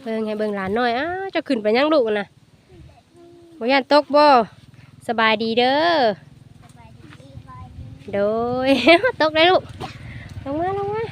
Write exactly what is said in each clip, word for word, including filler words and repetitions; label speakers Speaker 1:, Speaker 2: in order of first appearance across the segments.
Speaker 1: เบิ่งให้เบิ่งหลานน้อยอ้าเจะขึ้นไปยังลูกน่ะบ่ย่านตกบ่สบายดีเด้อโดย ตกได้ลูกลงมาลงมา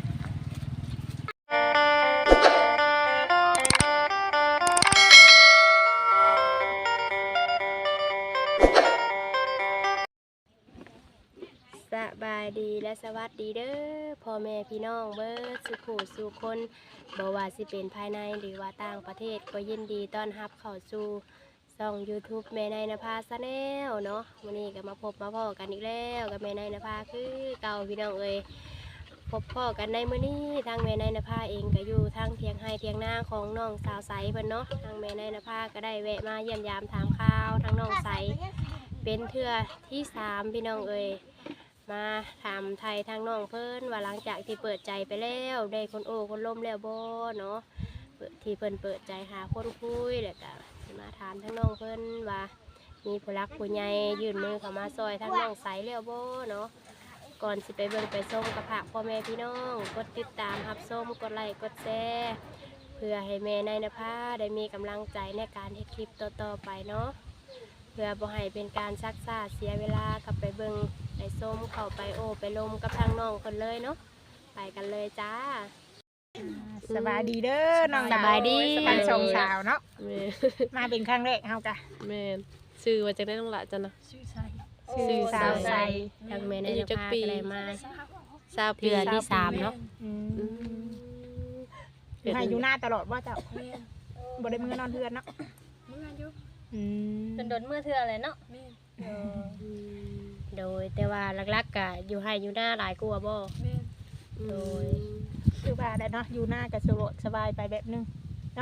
Speaker 1: สบายดีและสวัสดีเด้อพ่อแม่พี่น้องเบิดสุขุสู่คนบ่ว่าสิเป็นภายในหรือว่าต่างประเทศก็ยินดีต้อนรับเข้าสู่ช่อง YouTube แม่นายนภาชาแนลเนาะวันนี้ก็มาพบมาพ้อกันอีกแล้วกับแม่นายนภาคือเก่าพี่น้องเอ้ยพบพ้อกันในมื้อนี้ทางแม่นายนภาเองก็อยู่ทางเทียงไห้เทียงนาของน้องสาวใสเพิ่นเนาะทางแม่นายนภาก็ได้แวะมาเยี่ยมยามถามข่าวทางน้องใสเป็นเทื่อที่สามพี่น้องเอ้ยมาถามไทยทางน้องเพิ่นว่าหลังจากที่เปิดใจไปแล้วได้คนโอ้คนล้มแล้วบ่เนาะที่เพิ่นเปิดใจหาคนคุยแล้วก็มาถามทางน้องเพิ่นว่ามีผู้รักผู้ใหญ่ยื่นมือเข้ามาซอยทางน้องใสแล้วบ่เนาะก่อนสิไปเบิ่งไปส้มกับผักพ่อแม่พี่น้องกดติดตามรับส้มกดไลค์กดแชร์เพื่อให้แม่นายนภาได้มีกำลังใจในการเฮ็ดคลิปต่อๆไปเนาะเพื่อบ่ให้เป็นการซักซ่าเสียเวลากลับไปเบิ่งไปส้มเข้าไปโอไปลมกับทางน้องคนเลยเนาะไปกันเลยจ้า
Speaker 2: สบายดีเด้อน้องดาว
Speaker 1: สบายดี
Speaker 2: สบายสองสาวเนาะ
Speaker 3: แม่
Speaker 2: มาเป็นครั้งแรกเฮากะ
Speaker 3: แม่นชื่อว่าจะได้น้องละจ้ะนะ
Speaker 2: ชื่อ
Speaker 3: ชื่อ
Speaker 2: สาวใส
Speaker 1: ทางแม่นายนภาก็ได้มา
Speaker 3: ทราบปี
Speaker 1: เดือนที่สามเนาะ
Speaker 2: อืม
Speaker 3: อืม
Speaker 2: ให้อยู่หน้าตลอดว่าเจ้าบ่ได้มือนอนเทือนเนาะ
Speaker 4: เมื่ออยู่
Speaker 2: อืม
Speaker 4: จนโดนเมื่อเทื่ออะไรเนาะ
Speaker 1: โดยแต่ว่าหลักๆก็อยู่ให้อยู่หน้าหลายกลัวาบ่
Speaker 4: แม่
Speaker 1: โดย
Speaker 2: คือว่าได้เนาะอยู่หน้าก็สะดวกสบายไปแบบนึง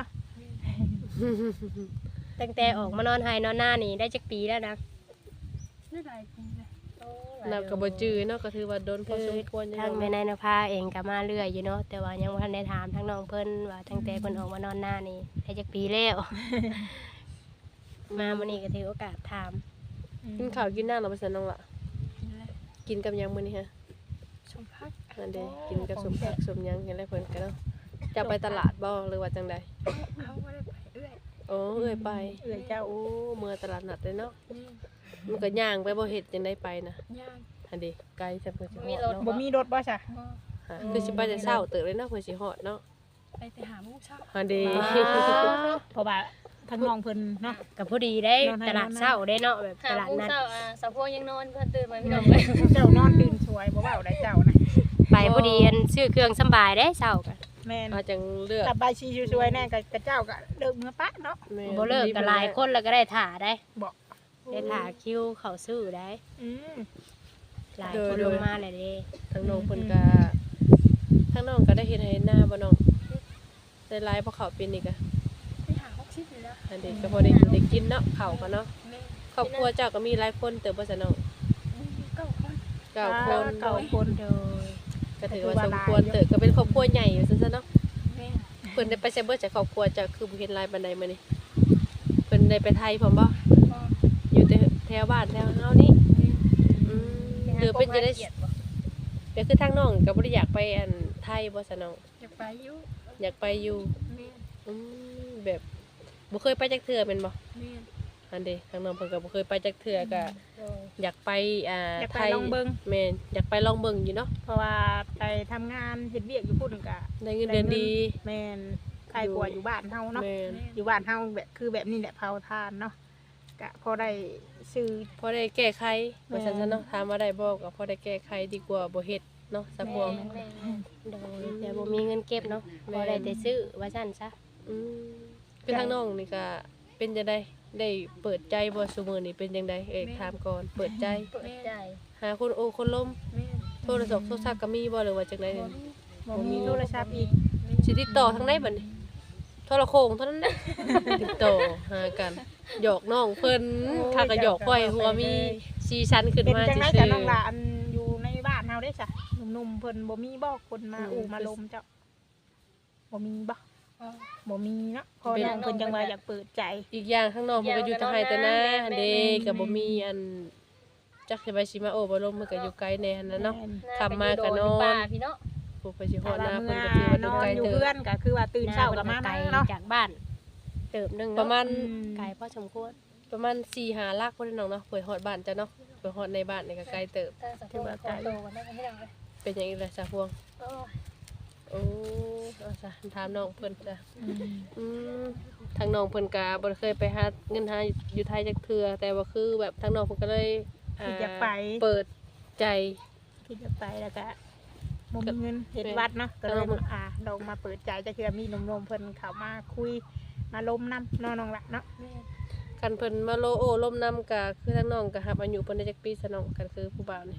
Speaker 1: ตั้งแต่ออกมานอนให้นอนหน้านี่ได้จักปีแล้วนะ
Speaker 4: ได้หลายปีเลย
Speaker 3: นับกับบ่จื้อเนาะก็ถือว่าโดนพอสมควรอยู่
Speaker 1: ทางแม่นายนภาเองก็มาเรื่อยอยู่เนาะแต่ว่ายังบ่ทันได้ถามทางน้องเพิ่นว่าตั้งแต่เพิ่นออกมานอนหน้านี่ได้จักปีแล้ว มามื้อนี้ก็ถือโอกาสถาม
Speaker 3: กินข้าวกินน้ำเราไปสั่นน้องละ
Speaker 4: กินแล้ว
Speaker 3: กินกับหยังมื้อนี้ฮะ
Speaker 4: ชมพัก
Speaker 3: นั่นเด้กินกับสมผักสมหยังเห็นแล้วเพิ่นก็เนาะจะไปตลาดบ่หรือว่าจังใด
Speaker 4: เขาไม่ได้ไปเอื้อย
Speaker 3: โอ้เอ้ยไป
Speaker 2: เอื้อยเจ้า
Speaker 3: โอ้เมื่อตลาดนัดเลยเนาะ
Speaker 4: นี่
Speaker 3: มันก็ย่างไปบ่เฮ็ดจังได้ไปนะ
Speaker 4: ย่าง
Speaker 3: อันเด้ไกลจังเพิ่นสิฮ
Speaker 4: มี
Speaker 3: อด
Speaker 4: รถ
Speaker 3: เนาะ
Speaker 2: บ่มีรถบ่ซะ
Speaker 4: บ่
Speaker 3: ฮะคือสิไปแต่เช้าเติบเลยเนาะเพิ่นสิฮอดเนาะ
Speaker 4: ไปแต่หาโมุ้งเช้า
Speaker 3: อันเด้
Speaker 2: เพราะว่าทางน้องเพิ่นเนาะ
Speaker 1: ก็พอดีได้
Speaker 2: นอนให้
Speaker 1: ตลาด
Speaker 2: นอนนะ
Speaker 1: เช้าได้เนาะแบบ
Speaker 4: หา
Speaker 1: ตลาด
Speaker 4: โมุ้ง
Speaker 1: นัด
Speaker 4: เช้าอ่ะสาวพวกยังนอนเพื่อนตื่นมาพี่น้องเลย
Speaker 2: เจ้านอนตื่นสวยบ่เว้าได้เจ้านะ
Speaker 1: ไปพอดีอันซื้อเครื่องสำบายได้เช้าก็
Speaker 2: แม่น
Speaker 3: อาจังเลือก
Speaker 2: สบายชีสวยๆแน่กับเจ้าก็เลิกเมื่อปะเนาะ
Speaker 3: แม่
Speaker 1: บ่เลิกก็หลายคนแล้วก็ได้ถ่าได้
Speaker 2: บอก
Speaker 1: ได้ถ่าคิวเข้าซื้อได้
Speaker 2: อืม
Speaker 1: หลายคนลงมาเลยเด้
Speaker 3: ทางน้องเพิ่นก็ทางน้องก็ได้เฮ็ดให้หน้าบ่น้องได้หลายเพราะเขาวเป็นนี่ก็
Speaker 4: ไปหาหกชิปอยู่แล้ว
Speaker 3: อันนี้ก็พอได้ได้กินเนาะข้าวก็เนาะ
Speaker 4: แม่
Speaker 3: ครอบครัวเจ้าก็มีหลายคนเติบบ่ซะน้อง
Speaker 4: มีเก้าคน
Speaker 3: เก้าคน
Speaker 2: เก้าคน
Speaker 1: โดย
Speaker 3: ก็ถือว่าสมควรเติบก็เป็นครอบครัวใหญ่อยู่ซั่นซะเนาะ
Speaker 4: แม่
Speaker 3: เพิ่นได้ไปไสเบิดจากครอบครัวเจ้าคือบ่เห็นหลายปานใดมื้อนี้เพิ่นได้ไปไทยพร้อมบ่
Speaker 4: พ่อ
Speaker 3: อยู่แต่แถวบ้านแถวเฮานี่
Speaker 4: แม่
Speaker 3: อืมหรือเป็นจะได้
Speaker 4: เกียรติบ่
Speaker 3: ก็คือทางน้องก็บ่ได้อยากไปอันไทยบ่ซะน้อง
Speaker 4: อยากไปอยู่
Speaker 3: อยากไปอยู่
Speaker 4: แม่
Speaker 3: อืมแบบบ่เคยไปจักเทื่อแม่นบ่
Speaker 4: แม่
Speaker 3: อันเด้ทางน้องเพิ่นก็บ่เคยไปจักเทื่อก็
Speaker 4: โดย
Speaker 3: อยากไปอ่า
Speaker 2: อยาก
Speaker 3: ไท
Speaker 2: ไป
Speaker 3: ย
Speaker 2: ลองเบิ่ง
Speaker 3: แม่นอยากไปลองเบิ่งอยู่เนาะ
Speaker 2: เพราะว่าไปทำงานเฮ็ดเวียกอยู่พุ่นก็
Speaker 3: ได้เงินเดือนดี
Speaker 2: แม่นใครกลัวอยู่บ้านเฮาเนาะ
Speaker 3: แม่น
Speaker 4: แม่
Speaker 2: อยู่บ้านเฮาแบบคือแบบนี้แหละเผาทานเนาะก็พอได้ซื้อ
Speaker 3: พอได้แก้ไข
Speaker 2: แม่
Speaker 3: ว่าซั่นซะเนาะถามว่าได้บ่ก็พอได้แก้ไขดีกว่าบ่เฮ็ดเนาะสักพวง
Speaker 4: แม่
Speaker 1: โดยแต่บ่มีเงินเก็บเนาะพอได้แต่ซื้อว่าซั่นซะ
Speaker 3: อืมคือทางน้องนี่ก็เป็นจังได๋ได้เปิดใจบ่ซุมื้อนี้เป็นจังไดเอ้ยถามก่อนเปิดใจ
Speaker 4: เปิดใจ
Speaker 3: หาคนโอ้คนล้ม
Speaker 4: แม่
Speaker 3: โทรศัพท์โทรศัพท์ก็มีบ่หรือว่าจังได๋
Speaker 4: บ่
Speaker 3: นี่
Speaker 4: มี
Speaker 2: บ่มีโทรศัพท์อีก
Speaker 3: สิติดต่อทางใดบัดนี้โทรโขงเท่านั้นแหละติดต่อหากันหยอกน้องเพิ่นถ้าก็หยอกค่อยหัวมีซีซันขึ้น
Speaker 2: เป็น
Speaker 3: มา
Speaker 2: จังได๋
Speaker 3: ซื่
Speaker 2: จ้ะ
Speaker 3: อ
Speaker 2: น้องหลานอยู่ในบ้านเฮาได้จ้ะหนุ่มๆเพิ่นบ่มีบ่คนมาอู่มาลมเจ้าบ่มีบ่
Speaker 4: อ๋อ
Speaker 2: บ่มีเนาะพอน้องเพิ่นจังว่าอยากเปิดใจ
Speaker 3: ๆอีกอย่างข้างนอกมันก็อยู่ทางไห้แต่หน้า
Speaker 4: แม่น
Speaker 3: เด้ก็บ่มีอันจักสิไปสิมาโอ้บ่ลมมันก็อยู่ไกลแน่หั่นน่ะเนาะ ขับมาก็นอน
Speaker 4: ป่าพี่เนาะ
Speaker 3: ผู้ไปสิฮอ
Speaker 2: ถ้า
Speaker 3: ดห
Speaker 2: ว่า
Speaker 3: น้า
Speaker 2: เมื่
Speaker 3: เพิ่
Speaker 2: อน
Speaker 3: ก็ถือว่า
Speaker 2: นอนอยู่
Speaker 3: ไกลเติ
Speaker 2: เพื่อบ นก็คือว่าตื่นเช้าก็มา
Speaker 1: ไกล
Speaker 2: เนาะ
Speaker 1: จากบ้าน เติบหนึง
Speaker 3: ป
Speaker 1: เนาะ
Speaker 3: ระมาณ
Speaker 1: ไกลพอสมควร
Speaker 3: ประมาณสี่ห้าลักบ่ได้น้องเนาะเปิดฮอดบ้านจ้ะเนาะเปิดฮอดในบ้านนี่ก็ไกลเติบ
Speaker 4: แต่สะโพกโตโตกันได้พี่น้องเลย
Speaker 3: เป็นหยังอีกล่ะจ้ะพวง
Speaker 4: โอ้ย
Speaker 3: โอ้เอาจ้ะถามน้องเพิ่นจ้ะ
Speaker 2: อืม
Speaker 3: อืมทางน้องเพิ่นก็บ่ได้เคยไปหาเงินหาอยู่ไทยจักเทื่อแต่ว่าคือแบบทางน้องเพิ่นก็เลยอ่า
Speaker 2: คิดจะไป
Speaker 3: เปิดใจ
Speaker 2: คิดจะไปแล้วก็บ่มีเงินเฮ็ดวัดเนาะก็เลยมาอ่าลองมาเปิดใจจะคือมีหนุ่มๆเพิ่นเข้ามาคุยมาล้มน้ำเนาะน้องละเนาะ
Speaker 4: แม่
Speaker 3: คันเพิ่นมาโลโอ้ล่มน้ำก็คือทางน้องก็รับอายุเพิ่นได้จักปีซะน้องก็คือผู้บ่าวนี่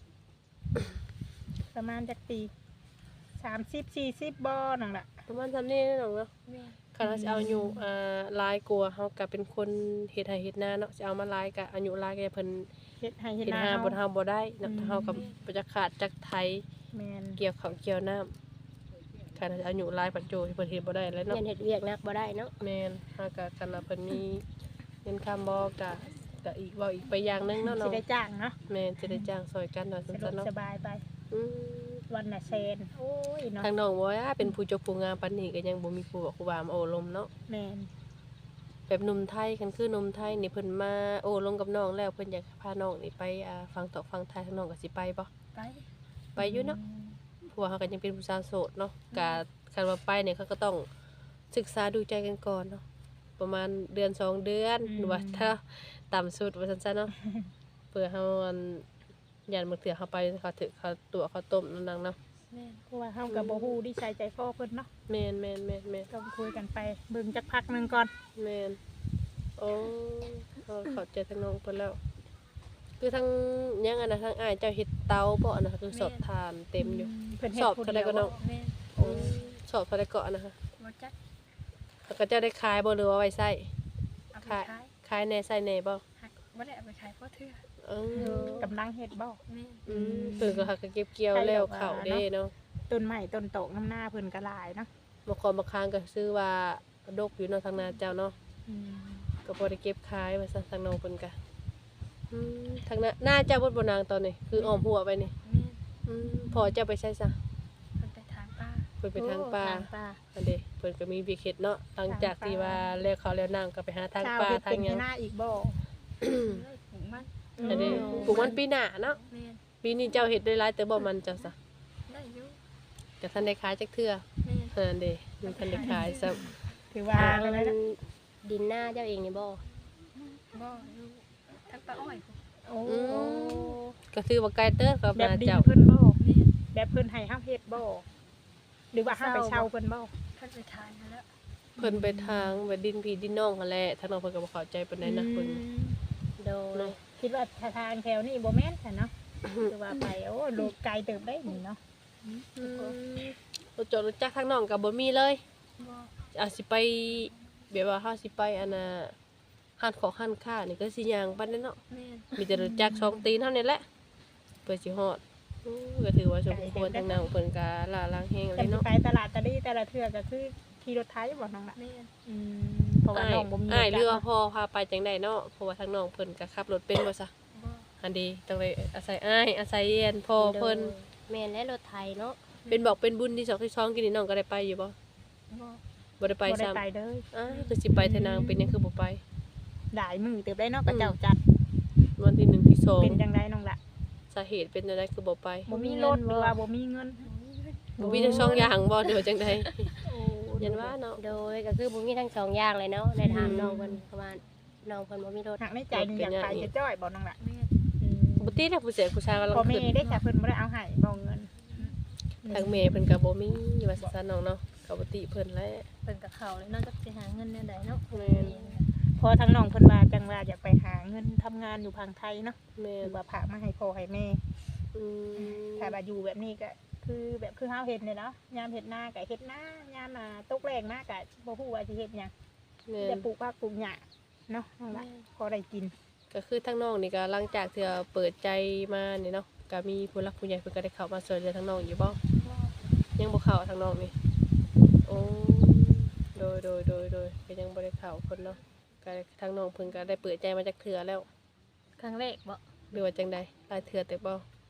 Speaker 2: ประมาณจักปีสามสิบสี่สิบบ่น้องละ
Speaker 3: ประมาณซำนี้น้องเนาะ
Speaker 4: แม่
Speaker 3: คันเราสิเอาอายุอ่าหลายกว่าเฮาก็เป็นคนเฮ็ดไร่เฮ็ดนาเนาะสิเอามาหลายก็อายุหลายก็เพิ่น
Speaker 2: เฮ็ดให้เฮ็ด
Speaker 3: เฮ็ด
Speaker 2: นา
Speaker 3: หา
Speaker 2: เฮา
Speaker 3: บ่เฮาบ่ได้เนาะเฮาก็บ่จักขาดจักไถ
Speaker 2: แม่น
Speaker 3: เกี่ยวข้าวเกี่ยวน้ำคันอายุหลายปัจจุบันเพิ่นเฮ็ดบ่ได้แล้ว
Speaker 1: เงิ
Speaker 3: เนาะ
Speaker 1: นเฮ็ดเวียกนักบ่ได้เนาะ
Speaker 3: แม่นเฮาก็คันว่าเพิ่นมีเงินคำบ่ก็ก็อีกเว้าอีกไปอย่างหนึงเนาะ
Speaker 2: สิ
Speaker 3: เนาะ
Speaker 2: ได้จ้างเนาะ
Speaker 3: แม่นสิได้จ้างซอยกันว่า
Speaker 2: สะดว
Speaker 3: ซั่
Speaker 2: ก
Speaker 3: นๆเนาะ
Speaker 2: สบายไป
Speaker 3: อืม
Speaker 2: วันน่ะแซนโอ้ยเนาะ
Speaker 3: ทางน้องบ่ว่าเป็นผู้เจบผู้งามปานนี้ก็ยังบ่มีผู้บอกครูบามาโอ้ลมเนาะ
Speaker 2: แม่น
Speaker 3: แบบหนุ่มไทยคันคือหนุ่มไทยนี่เพิ่นมาโอ้ลมกับน้องแล้วเพิ่นอยากพาน้องนี่ไปอ่าฟังตอกฟังไทยทางน้องก็สิไปบ่
Speaker 4: ไป
Speaker 3: ไปอยู่เนาะเพราะว่าเฮาก็ยังเป็นผู้สาวโสดเนาะก็คันว่าไปเนี่ยเขาก็ต้องศึกษาดูใจกันก่อนเนาะประมาณเดือนสองเดือนหรือว่าถ้าต่ำสุดว่าซั่นๆเนาะ เพื่อเฮาอันยันมื้อเถื่อเฮาไปเขาถึกเขาตัวเขาต้มนั่นนังเนาะ
Speaker 4: แม่
Speaker 2: เพราะว่าเฮาก็บ่ฮู้ดีใจใจคอเพิ่นเนาะ
Speaker 3: แม่นแม่นแม่นแม่น
Speaker 2: ต้องคุยกันไปเบิ่งจักพักหนึงก่อน
Speaker 3: แม่นโอ้เขาเข้าใจทางน้องเพิ่นแล้ว คือทางยังอันน่ะทางอ้ายเจ้าเฮ็ดเตาบ่อันน่ะคือสอบทานเต็มอยู่
Speaker 2: เพิ่นเฮ็
Speaker 3: ส
Speaker 2: ด
Speaker 3: อบ
Speaker 2: ผู้
Speaker 3: เท่า
Speaker 2: เดี
Speaker 3: ใด
Speaker 2: ยว
Speaker 3: ก็น้อง
Speaker 4: แม่
Speaker 3: อืมสอบเท่าใดก็อันนะคะ
Speaker 4: บ่จัก
Speaker 3: แล้วก็เจ้าได้ขายบ่หรือว่าไว้ใช้
Speaker 4: เอาไป
Speaker 3: ขาย
Speaker 4: ขาย
Speaker 3: ขายแหน่ใส่แหน่บ่
Speaker 4: หักบ่ได้เอาไปขายเพราะเทื่อ
Speaker 3: เออก
Speaker 2: ำลังเฮ็ดบ่
Speaker 4: แม่
Speaker 3: อืมเพิ่นก็หักก็เก็บเกี่ยวแล้วเข้าเด้เนาะ
Speaker 2: ต้นไม้ต้นโตกน้ำหน้าเพิ่นก็หลายเนาะ
Speaker 3: บางคนบางครั้งก็ซื้อว่าดกอยู่เนาะทางนาเจ้าเนาะ
Speaker 2: อืม
Speaker 3: ก็บ่ได้เก็บขายว่าซั่นทางน้องเพิ่นก็อืมทางหน้าหน้าเจ้าบ่บ่นางตอนนี้คืออ้อมหัวไปนี่
Speaker 4: แม่
Speaker 3: อืมพอเจ้าไปใช้ซะ
Speaker 4: เพิ่นไปทางป้า
Speaker 3: เพิ่นไปทางป่า
Speaker 2: ทางป่า
Speaker 3: อันเด้เพิ่นก็มีวิกเฮ็ดเนาะหลังจากที่ว่าแล้วเขาแล้วนางก็ไปหาทาง
Speaker 2: ชาว
Speaker 3: ป่า
Speaker 2: เฮ็ด
Speaker 3: ทา
Speaker 2: เป็
Speaker 3: ง
Speaker 2: น
Speaker 3: หยัง
Speaker 2: หน้าอีกบ่
Speaker 4: เลยปลูกมัน
Speaker 3: อันเด้ปลูกมันปีหน้าเนาะ
Speaker 4: แม่
Speaker 3: ปีนี้เจ้าเฮ็ดได้หลายแต่บ่มันเจ้าซะ
Speaker 4: ได้อยู่
Speaker 3: ก็ทันได้ขายจักเทื่อ
Speaker 4: แม่
Speaker 3: อันเด้มันทันได้ขายซะ
Speaker 2: ถือว่า
Speaker 1: ทาง
Speaker 2: เลยนะ
Speaker 1: ดินหน้าเจ้าเองนี่บ่
Speaker 4: บ่อยู่ทางป้าอ้อยพุ่น
Speaker 2: โอ้
Speaker 3: ก็คือว่าไกลเด้อกับ
Speaker 2: แบบ
Speaker 3: นา
Speaker 2: ดิน
Speaker 3: เจ้า
Speaker 2: เพิ่นบ่
Speaker 4: แม่
Speaker 2: แบบเพิ่นให้เฮาเฮ็ดบ่หรือว่าเฮาไปเช่าเพิ่นบ่
Speaker 4: เพิ่นไปทานมาแล้ว
Speaker 3: เพิ่นไปทางแบบดินพี่ดินน้องหั่นแหละทางน้องเพิ่นก็บ่เข้าใจปานใดนะเพิ่น
Speaker 2: อืม
Speaker 1: โดย
Speaker 2: คิดว่าทางแถวนี้บ่แม่นค่ะเนาะคือว่าไปโอ้โลกไกลเติบได้นี่เนาะ
Speaker 3: อืมรถจอดรถจักรทางน้องก็บ่มีเลย
Speaker 4: บ่
Speaker 3: อาจสิไปแบบว่าเฮาสิไปอันน่ะห้านของห้านค้านี่ก็สิย่างปานนั้นเนาะ
Speaker 4: แม่
Speaker 3: มีแต่รถจักรสองตีนเท่านี้แหละเพื่อสิฮอดอู้ก็ถือว่าสมควรทางนางเพิ่นก็ล่าล้างแฮงเล
Speaker 2: แต่
Speaker 3: ย
Speaker 2: สิ
Speaker 3: เนาะ
Speaker 2: ไปตลาดตะลี่แต่ละเทื่อก็คือขี่รถไถบ่น้องล่ะ
Speaker 4: แม่
Speaker 2: อืมเพราะว่า
Speaker 3: อ้าย
Speaker 2: น้องบ่มี
Speaker 3: อ้ายเรือ
Speaker 2: จักร
Speaker 3: พ่อพาไปจังได๋เนาะเพราะว่าทางน้องเพิ่นก็ขับรถเป็นบ่ซะ
Speaker 4: บ่
Speaker 3: อันดีต้องเลยอาศัยอ้ายอาศัยเรียนพ่อเพิ่น
Speaker 1: แม่นและรถไทยเนาะ
Speaker 3: เป็นบอกเป็นบุญที่สองที่สองกินนี่น้องก็ได้ไปอยู่บ่
Speaker 4: บ่
Speaker 3: บ่ได้ไป
Speaker 2: บ่ได้
Speaker 3: ซ้ำ
Speaker 2: ไปเด้อ
Speaker 3: อ้ายคือสิไปเทนางเป็นหยังคือบ่ไป
Speaker 2: หลายมือเติบได้เนาะก็เจ้าจัด
Speaker 3: วันที่หนึ่งที่สอง
Speaker 2: เป็นจังไดน้องล่ะ
Speaker 3: สาเหตุเป็นอะไรคือบ่ไป
Speaker 2: บ่มีรถหรือว่าบ่มีเงิน
Speaker 3: บ่มีทั้งสองอย่างบ่เดี๋ยวจังได๋ยันว่าเนาะ
Speaker 1: โดยก็คือบ่มีทั้งสองอย่างเลยเนาะในถามน้องเพิ่นเพราะว่าน้องเพิ่นบ่มีรถ
Speaker 2: หักในใจนี่อยากไปจะจ้อยบ่น้องล่ะ
Speaker 4: แม่
Speaker 2: อืม
Speaker 3: บ่ติดผู้เสียผู้ชายกำลัง
Speaker 2: พ่อแม่
Speaker 3: ขึ้น
Speaker 2: ได้ค่ะเพิ่นบ่ได้เอาให้บ่เงิน
Speaker 3: ทางแม่เพิ่นก็บ่มีว่าซั่นน้องเนาะก็บ่ติเพิ่นแหละ
Speaker 4: เพิ่นกับเขาเลยเนาะจักสิหาเงินแนวใดเนาะ
Speaker 3: แม่น
Speaker 2: พอทางน้องเพิ่นว่าจังว่าอยากไปหาเงินทำงานอยู่พังไทยเนาะ
Speaker 3: แม่
Speaker 2: ห
Speaker 3: น
Speaker 2: รือว่าพามาให้พ่อให้แม่
Speaker 3: อืม
Speaker 2: ถ้าว่าอยู่แบบนี้ก็คือแบบคือเฮาเฮ็ดเนี่ยเนาะยามเฮ็ดนาก็เฮ็ดนายามมาตกแรงมาก็บ่ฮู้ว่าสิเฮ็ดหยัง
Speaker 3: แม่
Speaker 2: จะ
Speaker 3: น
Speaker 2: ปลูกผักปลูกหญ้าเนาะนั่นล่ะพอได้กิน
Speaker 3: ก็คือทางน้องนี่ก็หลังจากที่ว่าเปิดใจมานี่เนาะก็มีผู้หลักผู้ใหญ่เพิ่นก็ได้เข้ามาช่วยเหลือทางน้องอยู่บ่
Speaker 4: บ่
Speaker 3: ยังบ่เข้าทางน้องนี่โอ้โดยโดยโดยโดยก็ยังบ่ได้เข้าเพิ่นเนาะก็ทางน้องเพิ่นก็ได้เปิดใจมาจากเทื่อแล้ว
Speaker 4: ครั้งแรกบ่
Speaker 3: หรือว่าจังใดหลายเทื่อแต่บ่
Speaker 4: สามส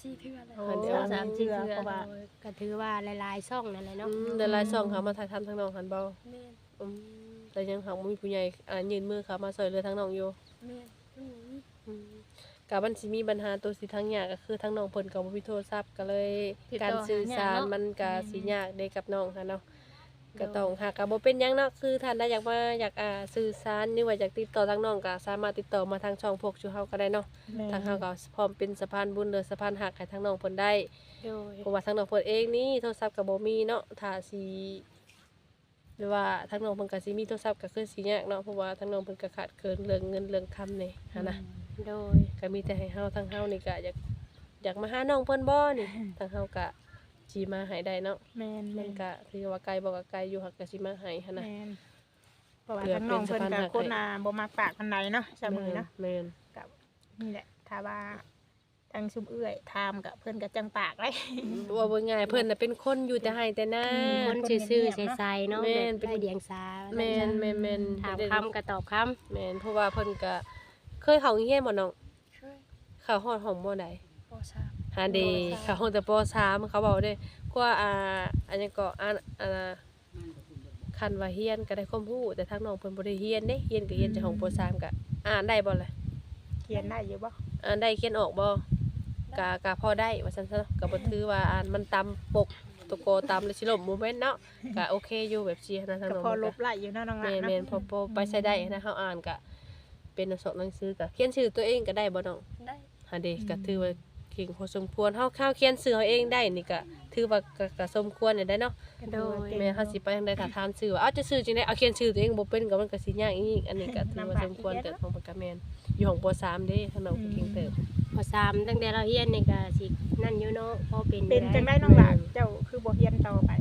Speaker 4: สี่เทื่อแล้ว
Speaker 2: โอ้
Speaker 3: เดี๋ยว
Speaker 2: สามเทื่อเพราะว่า
Speaker 1: โดยก็ถือว่าหลายๆช่องนั่นแหละเนาะ
Speaker 3: อืมแต่หลายช่องเขามาถ่ายทำทางน้องหันบ่
Speaker 4: แม่น
Speaker 3: อืมแต่ยังหาบ่มีผู้ใหญ่อ่ายื่นมือเข้ามาช่วยเหลือทางน้องอยู่
Speaker 4: แม่นอืม
Speaker 3: อืมก็มันสิมีปัญหาตัวสิทางยากก็คือทางน้องเพิ่นก็บ่มีโทรศัพท์ก็เลยการสื่อสารมันก็สิยากเด้กับน้องค่ะเนาะก็ต้องหากก็บ่เป็นหยังเนาะคือท่านใดอยากมาอยากอ่าสื่อสารหรือว่าอยากติดต่อทางน้องก็สามารถติดต่อมาทางช่องพวกชูเฮาก็ได้เนาะ
Speaker 2: แม่
Speaker 3: ทางเฮาก็พร้อมเป็นสะพานบุญหรือสะพานหักให้ทางน้องเพิ่นได้
Speaker 1: โดย
Speaker 3: เพราะว่าทางน้องเพิ่นเองนี่โทรศัพท์ก็บ่มีเนาะถ้าสิหรือว่าทางน้องเพิ่นก็สิมีโทรศัพท์ก็คือสิยากเนาะเพราะว่าทางน้องเพิ่นก็ขาดเกินเรื่องเงินเรื่องคำนี่หันนะ
Speaker 1: โดย
Speaker 3: ก็มีแต่ให้เฮาทางเฮานี่ก็อยากอยากมาหาน้องเพิ่นบ่นี่ ทางเฮาก็สิมาให้ได้เนาะ
Speaker 2: แม่น
Speaker 3: มันก็ถือว่าไกลบ่ก็ไกลอยู่หักก็สิมาให้หันนะ
Speaker 2: แม่นเพราะว่า
Speaker 3: เพื่อ
Speaker 2: ทั้งน้องเพิ่น
Speaker 3: เป็นสะพาน
Speaker 2: ก็
Speaker 3: หัก
Speaker 2: คนอ่าบ่มักปากปานใดเนาะเสมอเนาะ
Speaker 3: แม่น
Speaker 2: กับนี่แหละถ้าว่าทางซุมเอื้อยถามกับเพิ่นก็จังปากเลย
Speaker 3: ว่าบ่ง่ายเพิ่นน่ะเป็นคนอยู่แต่ให้แต่หน้า
Speaker 1: คนซื่อๆใสๆเนาะ
Speaker 3: แม่
Speaker 1: แบ
Speaker 3: น
Speaker 1: บ
Speaker 3: เป็น
Speaker 1: ได้เดียงสา
Speaker 3: แม่นแม่นแม่น
Speaker 1: ถามคำก็ตอบคำ
Speaker 3: แม่นเพราะว่าเพิ่นก็เคยเข้าโรงเรียนบ่น้อง
Speaker 4: เคย
Speaker 3: เข้าฮอดห้องบ่ได้
Speaker 4: ปสาม
Speaker 3: หาเดเข้าห้องแต่ปสามเขาบอกเด้กว่าอ่าอันนี้ก็อ่านอ่าคันว่าเฮียนก็ได้ความรู้แต่ทางน้องเพิ่นบ่ได้เฮียนเด้เฮียนก็เฮียนจากห้องปสามก็อ่านได้บ่ล่ะ
Speaker 2: เขียนได้อยู่บ่
Speaker 3: อ่านได้เขียนออกบ่ก็ก็พอได้ว่าซั่นซะเนาะก็บ่ถือว่าอ่านมันตามปกตะโกตามเลยสิล่มบ่แม่นเนาะก็โอเคอยู่แบบซี่นะทาง
Speaker 2: ก็
Speaker 3: น้อง
Speaker 2: พอ
Speaker 3: เพิ่น
Speaker 2: ล
Speaker 3: ก็
Speaker 2: บไล่อยู่เนาะน้องหลา
Speaker 3: แม่
Speaker 2: น
Speaker 3: น
Speaker 2: เนาะ
Speaker 3: แม่นพอพอไปใช้ได้นะเฮาอ่านก็เป็นหนังสือหนังสือก็เขียนชื่อตัวเองก็ได้บ่น้อง
Speaker 4: ได้
Speaker 3: หาเดก็ถือว่าเก่งพอสมควรเฮาข้าวเขียนชื่อเฮาเองได้นี่ก็ถือว่าก็ก็สมควรเนี่ยได้เนาะ
Speaker 1: โดย
Speaker 3: แม่เฮาสิไปทางใดถ้าถามชื่อว่าเอ้าจะชื่อจังได๋เอาเขียนชื่อตัวเองบ่เป็นก็มันก็สิยากอีกอันนี้ก็ถือว่าสมควรเกิดของปากกาแม่นอยู่ของปสามเด้ทางน้องก็เก่งเติบ
Speaker 1: พอสามตั้งแต่เราเฮียนนี่ก็สินั่นอยู่เนาะพอเป็น
Speaker 2: เป็นจัง
Speaker 1: ได้
Speaker 2: ได้น้องหลานเจ้าคือบ่เฮียนต่อไป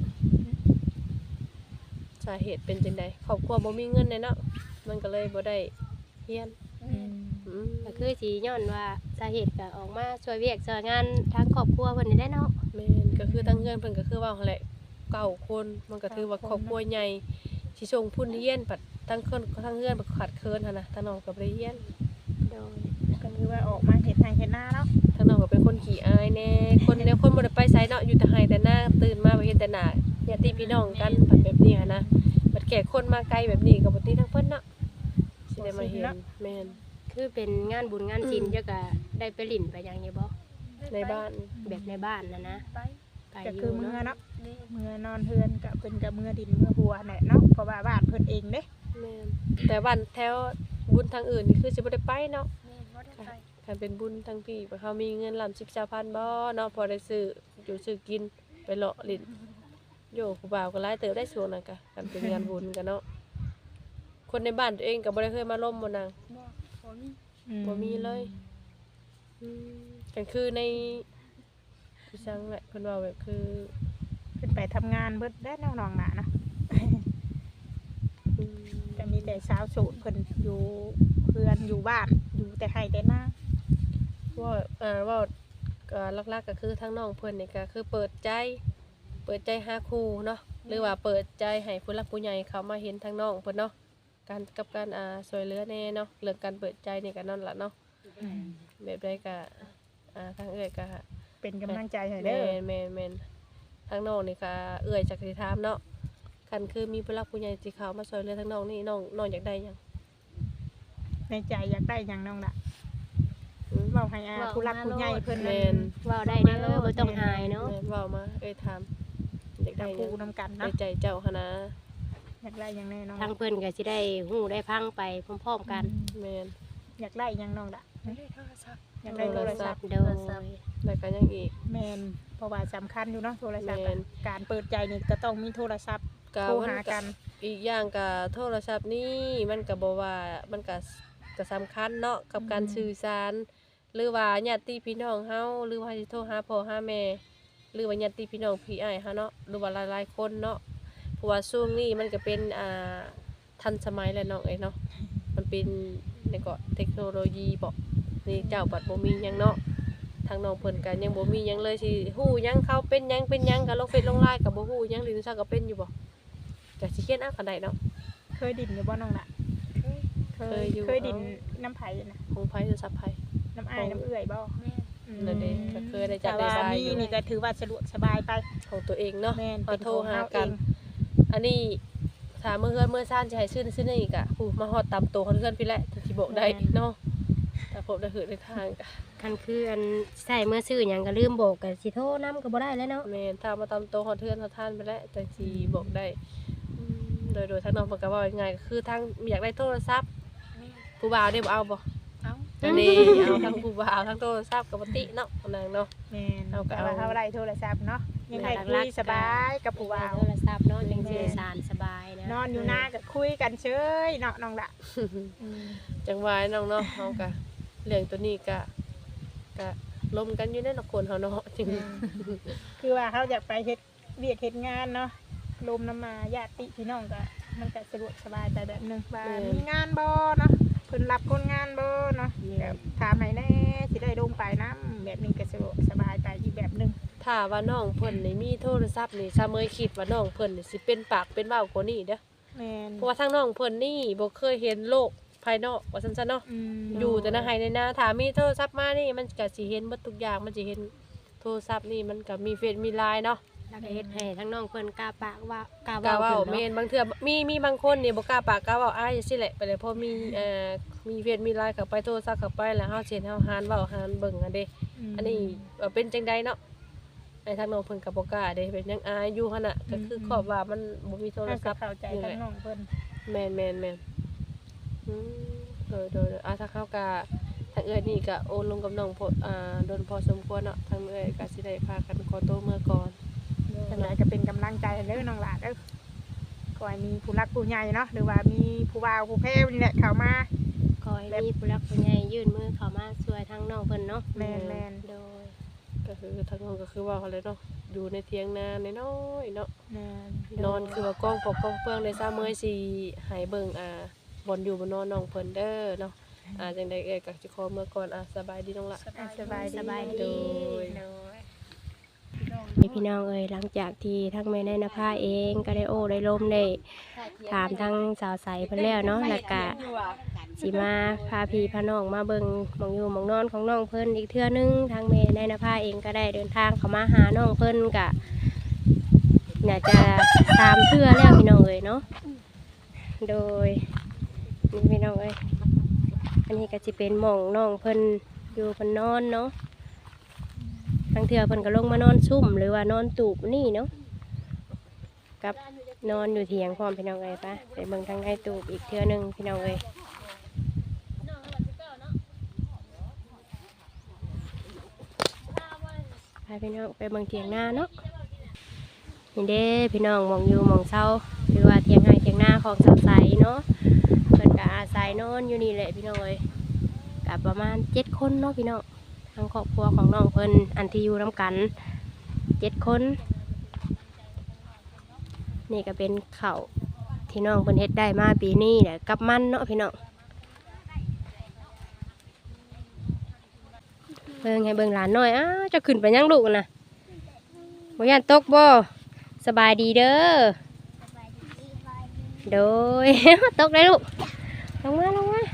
Speaker 3: สาเหตุเป็นจังได๋ครอบครัวบ่มีเงินเลยเนาะมันก็เลยบ่ได้เรียนอืม
Speaker 1: ก็คือสิย้อนว่าสาเหตุก็ออกมาช่วยเวียกช่วยงานทางครอบครัวเพิ่นนี่ได้เนาะ
Speaker 3: แม่นก็คือทั้งเฮือนเพิ่นก็คือว่าหั่นแหละเก้าคนมันก็ถือว่าครอบครัวใหญ่สิส่งพุ่นเรียนปัดทั้งคนทั้งเฮือนบ่ขาดเคินหั่นน่ะทางน้องก็บ่ได้เรียน
Speaker 1: โดย
Speaker 2: ก็คือว่าออกมาเฮ็ดทางเฮ็ดหน้าเนาะ
Speaker 3: ทางน้องก็เป็นคนขี้อายแน่คนแนวคนบ่ได้ไปไสเนาะอยู่แต่ไห้แต่หน้าตื่นมาไปเฮ็ดแต่หน้าญาติพี่น้องกันปัดแบบนี้หันนะบัดแก่คนมาไกลแบบนี้ก็บ่ติทั้งเพิ่นเนาะสิได้มาเห็นแม่น
Speaker 1: คือเป็นงานบุญงานศีลเจ้าก็ได้ไปลิ้นไปหยังอยู่บ่
Speaker 3: ในบ้าน
Speaker 1: แบบในบ้านน่ะนะ
Speaker 4: ไป
Speaker 1: ไป
Speaker 2: ก็
Speaker 1: อ
Speaker 2: คือยู่ เมื่อ
Speaker 1: เนาะ
Speaker 2: เนาะ
Speaker 4: นี่
Speaker 2: เมื่อนอนเฮือนก็เพิ่นก็เมื่อดินเมื่อหัวแหละเนาะเพราะว่าบ้านเพิ่นเองเด้
Speaker 3: แม่นแต่บ้านแถวบุญทางอื่นนี่คือสิบ่ได้ไปเนาะ
Speaker 4: นี่บ่ได้ไป
Speaker 3: คันเป็นบุญทางพี่ว่าเขามีเงินลำสิบเจ้าพันบ่เนาะพอได้ซื้ออยู่ซื้อกินไปเลาะลิ้นโยผู้บ่าวก็หลายเติบได้ช่วงนั้นก็กันเป็นงานบุญกันเนาะคนในบ้านตัวเองก็บ่ได้เคยมาล่มบ่นาง
Speaker 4: บ่บ่มี
Speaker 3: บ่มีเลย อืมกันคือในพี่ช่างแหละเพิ่นว่าแบบคือ
Speaker 2: ขึ้นไปทำงานเบิดได้น้องๆน่ะเนาะ
Speaker 3: อืม
Speaker 2: ก็มีแต่สาวโสดเพิ่นอยู่เพื่อนอยู่บ้านอยู่แต่ให้แต่หน้า
Speaker 3: ว่าอ่าว่าก็หลักๆก็คือทั้งน้องเพิ่นนี่ก็คือเปิดใจ เปิดใจหาครูเนาะหรือว่าเปิดใจให้ผู้หลักผู้ใหญ่เขามาเห็นทางน้องเพิ่นเนาะการกับการอ่าช่วยเหลือแน่เนาะเรื่องการเปิดใจนี่ก็นั่นล่ะเนาะแบบใดก็อ่าทางเอื้อยก็
Speaker 2: เป็นกำลังใจให้
Speaker 3: แม่
Speaker 2: เด้อ
Speaker 3: นแม่นแม่นทางน้องนี่ก็เอื้อยจักสิถามเนาะคันคือมีผู้หลักผู้ใหญ่ที่เขามาช่วยเหลือทางน้องนี่น้องน้องอยากได้หยัง
Speaker 2: ในใจอยากได้หยังน้องล่ะ
Speaker 3: อืม
Speaker 2: เว้าให้อาผู้รักผู้ใหญ่เพิ่น
Speaker 3: แม่
Speaker 2: นั่น
Speaker 3: น
Speaker 1: เว้าได้เด้อบ่ต้องอายเนาะ
Speaker 3: แม่นเว้ามาเอ้ยถามอยากได้
Speaker 2: ได้
Speaker 3: หยั
Speaker 2: คู่
Speaker 3: ง
Speaker 2: นำกัน
Speaker 3: ใน
Speaker 2: เนาะ
Speaker 3: ใจเจ้าหั่นนะ
Speaker 2: อยากได้หยังแน่น้อง
Speaker 1: ทางเพิ่นก็สิได้ฮู้ได้พังไปพร้อมๆกัน
Speaker 3: แม่น
Speaker 2: อยากได้หยังน้องล่ะ
Speaker 4: ไม่ได้โทรศัพท์
Speaker 2: อยากได้โทรศัพท์
Speaker 1: โดย
Speaker 3: แล้วก็ยังอีก
Speaker 2: แม่นเพราะว่าสำคัญอยู่เนาะโทรศัพท์
Speaker 3: แม่
Speaker 2: อะ
Speaker 3: น
Speaker 2: การเปิดใจนี่ก็ต้องมีโทรศัพท์
Speaker 3: ก็
Speaker 2: โทร
Speaker 3: มัน
Speaker 2: หา
Speaker 3: ก็
Speaker 2: กัน
Speaker 3: อีกอย่างก็โทรศัพท์นี่มันก็บ่ว่ามันก็ก็สำคัญเนาะกับการสื่อสาร หรือว่าญาติพี่น้องเฮาหรือว่าสิโทรหาพ่อหาแม่หรือว่าญาติพี่น้องพี่อ้ายเฮาเนาะหรือว่าหลายๆคนเนาะเพราะว่าช่วงนี้มันก็เป็นอ่าทันสมัยแล้วเนาะเอ้ยเนาะมันเป็นนี่ก็เทคโนโลยีบ่นี่เจ้าบัดบ่มีหยังเนาะทางน้องเพิ่นก็ยังบ่มีหยังเลยสิฮู้หยังเขาเป็นหยังเป็นหยังก็ลงเฟซลงไลน์ก็บ่ฮู้หยังหรือซักก็เป็นอยู่บ่ก็สิเขียนเอาก็ได้เนาะ
Speaker 2: เคยดินอยู่บ่น้องล่ะ
Speaker 4: เคย
Speaker 2: เค
Speaker 3: เค
Speaker 2: ย
Speaker 3: ยอยู่
Speaker 2: เคยดินน้ำไผ่นะ
Speaker 3: ของไผโทรศัพท์ไผ
Speaker 2: น้ำอ้ายน้ำเอื้อยบ่
Speaker 4: แม่น
Speaker 3: นั่นเองก็เคยได้จั
Speaker 2: แต่
Speaker 3: ดได้
Speaker 2: ว่า
Speaker 3: บาย
Speaker 2: มี
Speaker 3: อยู่
Speaker 2: นี่ก็ถือว่าสะดวกสบายไป
Speaker 3: ของตัวเองเนาะ
Speaker 2: แม่น
Speaker 3: เอา
Speaker 2: เป็น
Speaker 3: โทร
Speaker 2: ของ
Speaker 3: หา
Speaker 2: เฮา
Speaker 3: กั
Speaker 2: เอน ง
Speaker 3: อันนี้ถามเมื่อเฮือนเมื่อซ่านจะให้ซื้อซื้อนี่กะผู้มาฮอดตามตัวของเฮือนพี่แหละถึงสิบอกได้เนาะแต่ผมได้หือในทางกะ
Speaker 1: คันคืออันใส่เมื่อซื้อหยังก็ลืมบอกก็สิโทรนำก็บ่ได้แล้วเนาะ
Speaker 3: แม่นถ้ามาตามตัวของเฮือนของท่านไปแล้วจังสิบอกได้อืมโดยโดยทางน้องเพิ่นก็เว้าง่ายๆก็คือทางอยากได้โทรศัพท์
Speaker 4: แม่
Speaker 3: ผู้บ่าวได้บ่เอาบ่
Speaker 4: เอา
Speaker 3: อันนี้เอาทั้งผู้บ่าวทั้งโทรศัพท์กับปติเนาะนางเนาะ
Speaker 2: แม่น
Speaker 3: เอาก็
Speaker 2: แต่ว่า
Speaker 3: เอา
Speaker 2: เฮาได้โทรศัพท์เนาะยังไงคุยสบายกับผู้บ่าว
Speaker 1: โทรศัพท์เนาะจังสิได้สารสบายนะ
Speaker 2: นอนอยู่หน้าก็คุยกันเฉยเนาะน้องละอืม
Speaker 3: จังหวะน้องเนาะเฮาก็เรื่องตัวนี้ก็ก็ลมกันอยู่ในละคนเฮาเนาะจริง
Speaker 2: คือว่าเขาอยากไปเฮ็ดเวียกเฮ็ดงานเนาะลมน้ำมาญาติพี่น้องก็มันก็สะดวกสบายไปแบบหนึงว่ามีงานบ่เนาะเพิ่นรับคนงานบ่เนาะก็ถามให้แน่สิได้ลงไปนํแบบนี้ก็สะดวกสบายไปอีกแบบหนึง
Speaker 3: ถ้าว่าน้องเพิ่นนี่มีโทรศัพท์นี่ซะเมยคิดว่าน้องเพิ่นนี่สิเป็นปากเป็นเว้ากว่านี้เด้อ
Speaker 2: แม่น
Speaker 3: เพราะว่าทางน้องเพิ่นนี่บ่เคยเห็นโลกภายนอกว่าซั่นๆเนาะ
Speaker 2: อืม
Speaker 3: อยู่แต่ในไห้ในนาถ้ามีโทรศัพท์มานี่มันก็สิเห็นหมดทุกอย่างมันสิเห็นโทรศัพท์นี่มันก็มีเฟซมีไลน์เนาะ
Speaker 1: แล้วก็เฮ็ดให้ทั้งน้องเพิ่นกล้าปากว่ากล้าก
Speaker 3: ล้า
Speaker 1: เว้า
Speaker 3: เว้า
Speaker 1: ขึ้น
Speaker 3: แม่
Speaker 1: เนาะ
Speaker 3: นบางเทื่อมีมีบางคนนี่บ่กล้าปากกล้าเว้าอ้ายจังซี่แหละไปเลยเพราะมีเอ่อมีเฟซมีไลน์เข้าไปโทรศัพท์เข้าไปแล้วเฮาสิเห็นเฮาหานเว้าหานเบิ่งอันเด้
Speaker 2: ม
Speaker 3: อันนี้ว่าเป็นจังไดเนาะไอ้ทางน้องเพิ่นก็บ่กล้าเด้เป็นยังอายอยู่หั่นน่ะก็คือขอบว่ามันบ่มีโทร
Speaker 2: เรา
Speaker 3: ศั
Speaker 2: ก็
Speaker 3: พท์
Speaker 2: เข้าใจ
Speaker 3: นี่แห
Speaker 2: ทั้ง
Speaker 3: ละ
Speaker 2: น้องเพิ่น
Speaker 3: แม่นแม่นแม่นอืมโดยโดยโดยอ่ะถ้าเขาก็ทางเอ้ยนี่ก็โอนลงกับน้องพออ่าโดนพอสมควรเนาะทางเอ้ยก็สิได้พากันขอโตวเมื่อก่อน
Speaker 2: จังไดก็เป็นกำลังใจให้เด้อน้องหลานเด้อขอให้มีผู้รักผู้ใหญ่เนาะหรือว่ามีผู้บ่าวผู้แพ้นี่แหละเข้ามา
Speaker 1: ขอให้มีผู้รักผู้ใหญ่ยื่นมือเข้ามาช่วยทั้งน้องเพิ่นเนาะ
Speaker 2: แม่นแม่น
Speaker 1: โดย
Speaker 3: ก็คือทางน้องก็คือว่าเขาเลยเนาะอยู่ในเถียงนาน้อยๆเนาะ
Speaker 2: แม่น
Speaker 3: นอนคือว่ากองปอกกองเฟืองในซ้าเมื่อยสิใหายเบิ่งอ่าบอนอยู่บนนอนน้องเพิ่นเด้อเนาะอ่าจังไดเอ้ยก็สิขอเมื่อก่อนอ่ะสบายดีน้องละ
Speaker 2: อ่ะสบายดี
Speaker 1: สบาย
Speaker 3: โด
Speaker 1: ดี
Speaker 3: ย
Speaker 2: โดย
Speaker 1: นี่พี่น้องเอ้ยหลังจากที่ทั้งแม่นายนภาเองก็ได้โอ้ได้ลมได้ถามทั้งสาวใสเพิ่นแล้วเนาะแล้วก็สิมาพาพี่พาน้องมาเบิ่งหมองอยู่หมองนอนของน้องเพิ่นอีกเทื่อนึงทางแม่นายนภาเองก็ได้เดินทางเข้ามาหาน้องเพิ่นก็น่าจะตามเทื่อแล้วพี่น้องเอ้ยเนาะโดยนี่พี่น้องเอ้ยอันนี้ก็สิเป็นหม่องน้องเพิ่นอยู่เพิ่นนอนเนาะ ทางเถื่อเพิ่นก็ลงมานอนซุ่มหรือว่านอนตูบนี่เนาะกับนอนอยู่เถียงพร้อมพี่น้องเอ้ยปะไปเบิ่งทางในตูบอีกเทื่อหนึงพี่น้องเอ้ยพาพี่น้องไปเบิ่งเถียงหน้าเนาะนี่เด้พี่น้องหมองอยู่หมองเศร้าหรือว่าเถียงให้เถียงหน้าของสาวใสเนาะเพิ่นก็อาศัยนอนอยู่นี่แหละพี่น้องเอ้ยกับประมาณเจ็ดคนเนาะพี่น้อง ทางครอบครัวของน้องเพิ่นอันที่อยู่น้ำกันเจ็ดคน นี่ก็เป็นข้าวที่น้องเพิ่นเฮ็ดได้มาปีนี้แหละกับมันเนาะพี่น้องเบิ่งให้เบิ่งหลานหน่อยอ้าวจะขึ้นไปยังลูกน่ะบ่ย่านตกบ่สบายดีเด้อโดย ตกได้ลูกลงมาลงมา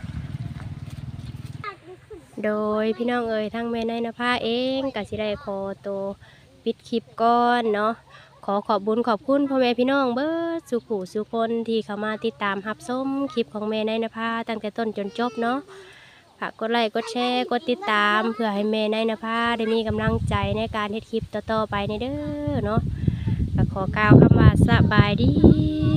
Speaker 1: โดยพี่น้องเอ๋ยทั้งแม่นายนภาเองก็สิได้ขอตัวปิดคลิปก่อนเนาะขอขอบบุญขอบคุณพ่อแม่พี่น้องเบิดสุขุสุคนที่เข้ามาติดตามรับชมคลิปของแม่นายนภาตั้งแต่ต้นจนจบเนาะฝากกดไลค์กดแชร์กดติดตามเพื่อให้แม่นายนภาได้มีกำลังใจในการเฮ็ดคลิปต่อๆไปในเด้อเนาะก็ขอกล่าวคำว่าสบายดี